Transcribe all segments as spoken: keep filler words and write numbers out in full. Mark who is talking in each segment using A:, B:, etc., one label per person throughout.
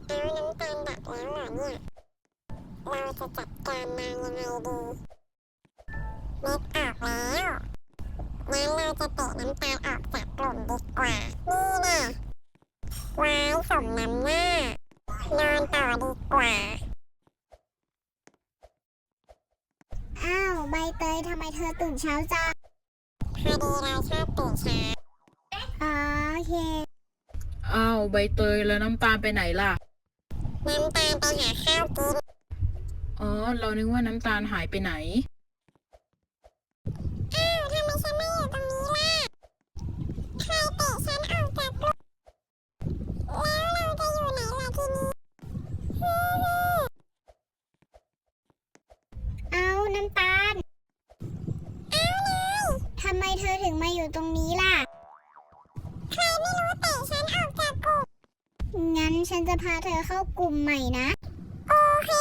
A: แล้วน้ำตาลดับแล้วเหรอเนี่ยเราจะจัดการนางยังไงดีนึกออกแล้วงั้นเราจะเตะน้ำตาลออกจากกลุ่มดีกว่านี่นะไว้สมน้ำหน้านอนต่อดีกว่า
B: อ้าวใบเตยทำไมเธอตื่นเช้าจัง
A: พอดีเราชอบตื่นเช้า
B: อ๋อโอเค
C: อ้าวใบเตยแล้วน้ำตาลไปไหนล่ะ
A: น้ำตาลไปหาข้าวกิน
C: อ๋อเรานึกว่าน้ำตาลหายไปไหน
A: อ้าวทำไมฉันไม่อยู่ตรงนี้ล่ะใครเตะฉันออกจากกลุ่มแล้วเราจะอยู่ไหนล่ะทีนี้ฮู้ฮู้
B: เอาน้ำตาล
A: เอาเลย
B: ทำไมเธอถึงมาอยู่ตรงนี้ล่ะ
A: ใครไม่รู้เตะฉันออกจากกลุ่ม
B: งั้นฉันจะพาเธอเข้ากลุ่มใหม่นะ
A: โอเค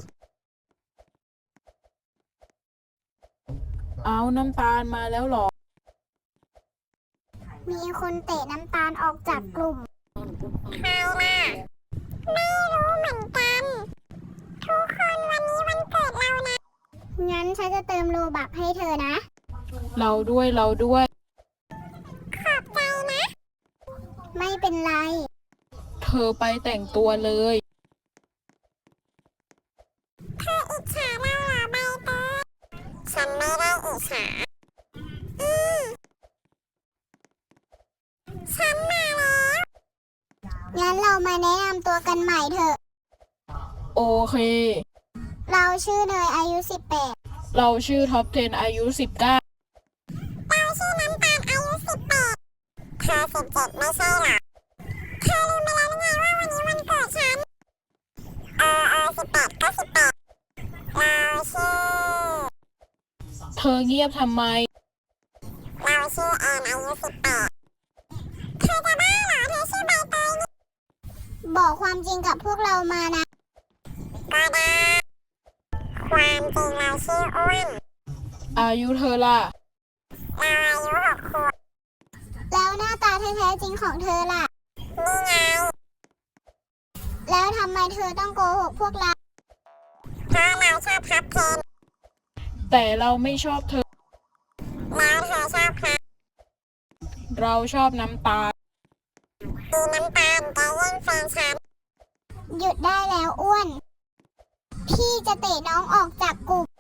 C: เอาน้ำตาลมาแล้วเหรอ
B: มีคนเตะน้ำตาลออกจากกลุ่ม
A: ใครล่ะไม่รู้เหมือนกันทุกคนวันนี้วันเกิดเรานะ
B: งั้นฉันจะเติมโลบักให้เธอนะ
C: เราด้วยเราด้วย
A: ขอบใจนะ
B: ไม่เป็นไร
C: เธอไปแต่งตัวเลย
A: เธออิจฉาเราเหรอใบเตยฉันไม่ได้อิจฉาอืมฉันมาแล้ว
B: งั้นเรามาแนะนำตัวกันใหม่เถอะ
C: โอเค
B: เราชื่อเนยอายุสิบแปด
C: เราชื่อท็อปสิบอายุสิบเก้า
A: เราชื่อน้ำตาลอายุสิบแปดเธอสิบเจ็ดไม่ใช่หรอเธอลืมไปแล้วหรือไงว่าวันนี้วันเกิดฉันเออเออสิบแปดก็สิบแปดเราชื่อ
C: เธอเงียบทำไม
A: เราชื่อแอนอายุสิบแปดเธอจะบ้าเหรอเธอชื่อใบเตยนี่
B: บอกความจริงกับพวกเรามานะ
A: ก็ได้ความจริงเราชื่ออ้วน
C: อายุเธอล่ะ
A: เราอายุหกขวบ
B: แล้วหน้าตาแท้ๆจริงของเธอล่ะ
A: นี่ไง
B: แล้วทำไมเธอต้องโกหกพวกเรา
A: เพราะเราชอบพับเพน
C: แต่เราไม่ชอบเธอ
A: แล้วเธอชอบใคร
C: เราชอบน้ำตาล
A: ดีน้ำตาลจะแย่งแฟนฉัน
B: หยุดได้แล้วอ้วนพี่จะเตะน้องออกจากกลุ่ม